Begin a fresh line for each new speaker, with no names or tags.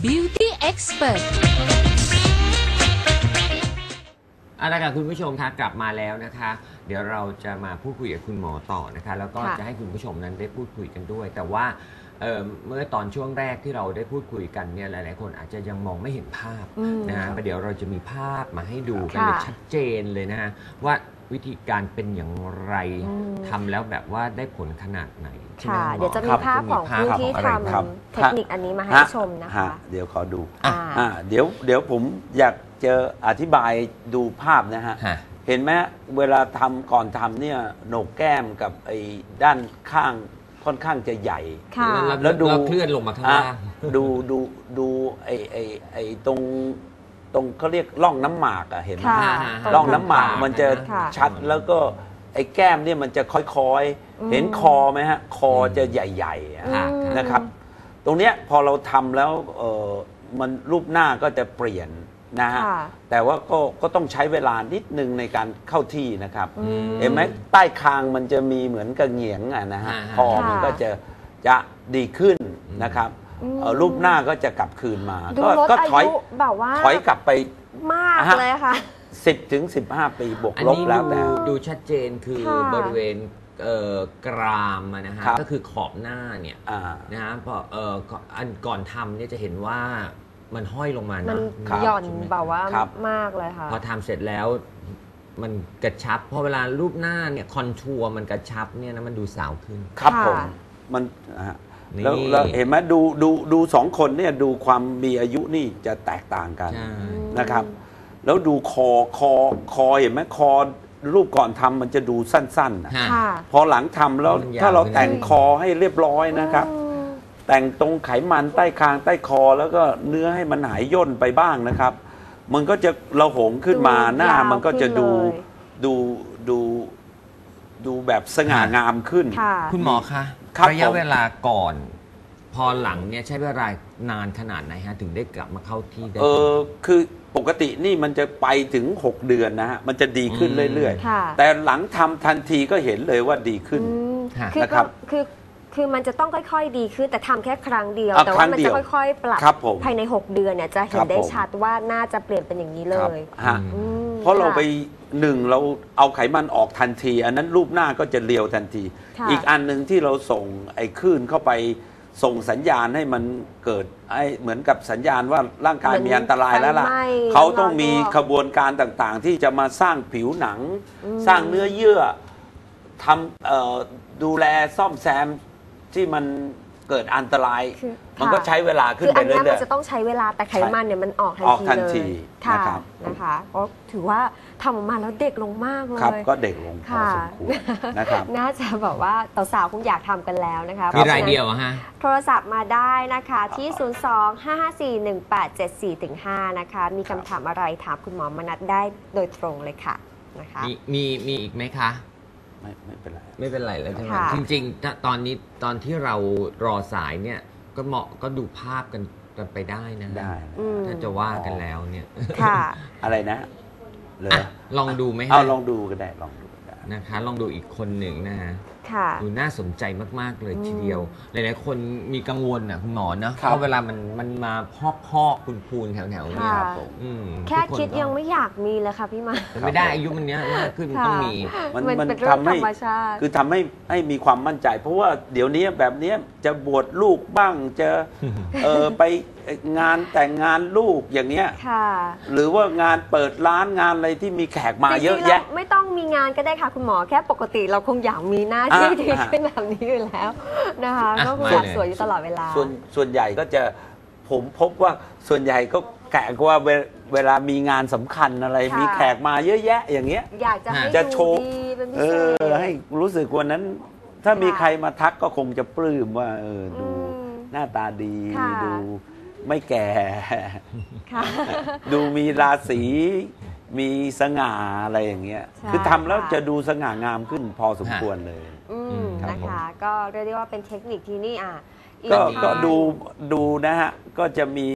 Beauty Expert
เอาละค่ะคุณผู้ชมคะกลับมาแล้วนะคะ เดี๋ยวเราจะมาพูดคุยกับคุณหมอต่อนะคะแล้วก็จะให้คุณผู้ชมนั้นได้พูดคุยกันด้วยแต่ว่าเมื่อตอนช่วงแรกที่เราได้พูดคุยกันเนี่ยหลายๆคนอาจจะยังมองไม่เห็นภาพนะฮะเดี๋ยวเราจะมีภาพมาให้ดูกันเลยชัดเจนเลยนะฮะว่าวิธีการเป็นอย่างไรทำแล้วแบบว่าได้ผลขนาดไหน
ค่ะเดี๋ยวจะมีภาพของผู้ที่ทำเทคนิคอันนี้มาให้ชมนะคะ
เดี๋ยวขอดูเดี๋ยวผมอยากจะอธิบายดูภาพนะฮะเห็นไหมเวลาทำก่อนทำเนี่ยโหนกแก้มกับไอ้ด้านข้างค่อนข้างจะใหญ่
แล้วดูเคลื่อนลงมาข้างล่าง
ดูไอ้ตรงเขาเรียกร่องน้ำหมากอะเห็นไหมร่องน้ำหมากมันจะชัดแล้วก็ไอ้แก้มเนี่ยมันจะค่อยๆเห็นคอไหมฮะคอจะใหญ่ๆนะครับตรงเนี้ยพอเราทำแล้วมันรูปหน้าก็จะเปลี่ยนนะฮะแต่ว่าก็ต้องใช้เวลานิดนึงในการเข้าที่นะครับเห็นไหมใต้คางมันจะมีเหมือนกระเหงียงนะฮะคอมันก็จะดีขึ้นนะครับรูปหน้าก็จะกลับคืนมาก็ถอยกลับไป
มากเลยค่ะ
10 ถึง 15 ปีบวกลบแล้วแต่
ดูชัดเจนคือบริเวณกรามนะฮะก็คือขอบหน้าเนี่ยนะฮะพออันก่อนทำเนี่ยจะเห็นว่ามันห้อยลงมานะ
มันหย่อนแบบว่ามากเลยค่ะ
พอทำเสร็จแล้วมันกระชับพอเวลารูปหน้าเนี่ยคอนทัวร์มันกระชับเนี่ยนะมันดูสาวขึ้น
ครับผมมันแล้วเห็นไหมดูสองคนเนี่ยดูความมีอายุนี่จะแตกต่างกันนะครับแล้วดูคอเห็นไหมคอรูปก่อนทำมันจะดูสั้นๆพอหลังทำแล้วถ้าเราแต่งคอให้เรียบร้อยนะครับแต่งตรงไขมันใต้คางใต้คอแล้วก็เนื้อให้มันหายย่นไปบ้างนะครับมันก็จะระหงขึ้นมาหน้ามันก็จะดูแบบสง่างามขึ้น
คุณหมอคะระยะเวลาก่อนพอหลังเนี่ยใช้เวลานานขนาดไหนฮะถึงได้กลับมาเข้าที่ได้
คือปกตินี่มันจะไปถึง6 เดือนนะฮะมันจะดีขึ้นเรื่อยๆแต่หลังทำทันทีก็เห็นเลยว่าดีขึ้น
นะครับคือมันจะต้องค่อยๆดีขึ้นแต่ทำแค่ครั้งเดียวแต่ว่ามันจะค่อยๆปรับภายใน6 เดือนเนี่ยจะเห็นได้ชัดว่าน่าจะเปลี่ยนเป็นอย่างนี้เลย
เพราะเราไปเราเอาไขมันออกทันทีอันนั้นรูปหน้าก็จะเรียวทันทีอีกอันหนึ่งที่เราส่งไอ้คลื่นเข้าไปส่งสัญญาณให้มันเกิดเหมือนกับสัญญาณว่าร่างกายมีอันตรายแล้วล่ะเขาต้องมีขบวนการต่างๆที่จะมาสร้างผิวหนังสร้างเนื้อเยื่อทำดูแลซ่อมแซมที่มันเกิดอันตรายมันก็ใช้เวลาขึ้นไปเรื่อยๆ
มันจะต้องใช้เวลาแต่ไขมันเนี่ยมันออกทันทีเลยนะคะก็ถือว่าทำออกมาแล้วเด็กลงมากเลย
ครับก็เด็กลงพอสมควรนะครับ
น่าจะแบบว่าสาวๆคงอยากทำกันแล้วนะคะ
มีรายเดียวฮะ
โทรศัพท์มาได้นะคะที่02-554-1874-5นะคะมีคำถามอะไรถามคุณหมอมนัสได้โดยตรงเลยค่ะนะคะ
มีอีกไหมคะ
ไม่เป็นไร
ไม่เป็นไรแล้วใช่ไหมจริงๆตอนนี้ตอนที่เรารอสายเนี่ยก็เหมาะก็ดูภาพกันไปได้นะ
ได้
ถ้าจะว่ากันแล้วเนี่ย
อะไรนะเลย
ลองดูไหม
ลองดูก็ได้ลองดู
นะคะลองดูอีกคนหนึ่งนะฮะดูน่าสนใจมากๆเลยทีเดียวหลายๆคนมีกังวลนะคุณหมอนะเพราะเวลามันมาพอกพูนแถวๆเนี่ย
แค่คิดยังไม่อยากมีเลยค่ะพี่มา
ไม่ได้อายุมันเนี้ยมากขึ้นต้องมี
มันทำให้คือทำให้มีความมั่นใจเพราะว่าเดี๋ยวนี้แบบนี้จะบวชลูกบ้างจะไปงานแต่งงานลูกอย่างเนี้ยหรือว่างานเปิดร้านงานอะไรที่มีแขกมาเยอะแยะ
ไม่ต้องมีงานก็ได้ค่ะคุณหมอแค่ปกติเราคงอยากมีหน้าที่ที่เป็นแบบนี้อยู่แล้วนะคะก็สวยอยู่ตลอดเวลา
ส่วนใหญ่ก็จะผมพบว่าส่วนใหญ่ก็แขกว่าเวลามีงานสำคัญอะไรมีแขกมาเยอะแยะอย่างเงี้ย
อยากจะให้
โชว์ให้รู้สึกวันนั้นถ้ามีใครมาทักก็คงจะปลื้มว่าดูหน้าตาดีดูไม่แก่ดูมีราศีมีสง่าอะไรอย่างเงี้ยคือทำแล้วจะดูสง่างามขึ้นพอสมควรเลย
นะคะก็เรียกได้ว่าเป็นเทคนิคที่นี่
ก็ดูนะฮะก็จะมี